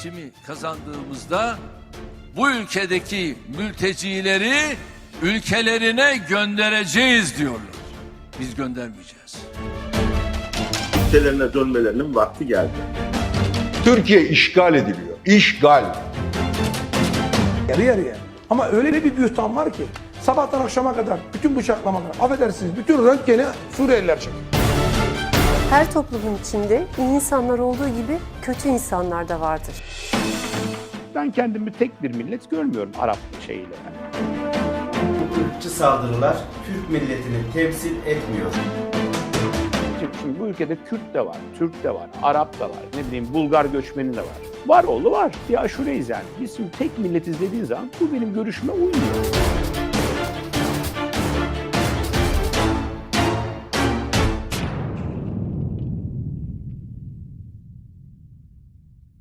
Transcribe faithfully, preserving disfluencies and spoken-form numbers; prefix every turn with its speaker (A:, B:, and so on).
A: seçimi kazandığımızda bu ülkedeki mültecileri ülkelerine göndereceğiz diyorlar. Biz göndermeyeceğiz.
B: Ülkelerine dönmelerinin vakti geldi.
C: Türkiye işgal ediliyor. İşgal.
D: Yarı yarıya. Ama öyle bir bühtan var ki sabahtan akşama kadar bütün bıçaklamalar, affedersiniz bütün röntgeni Suriyeliler çekiyor.
E: Her toplumun içinde iyi insanlar olduğu gibi kötü insanlar da vardır.
F: Ben kendimi tek bir millet görmüyorum Arap şeyiyle. Yani.
G: Bu ırkçı saldırılar Türk milletini temsil etmiyor.
F: Şimdi, şimdi bu ülkede Kürt de var, Türk de var, Arap da var, ne bileyim Bulgar göçmeni de var. Var oğlu var. Bir aşureyiz yani. Biz şimdi tek milletiz dediğin zaman bu benim görüşüme uymuyor.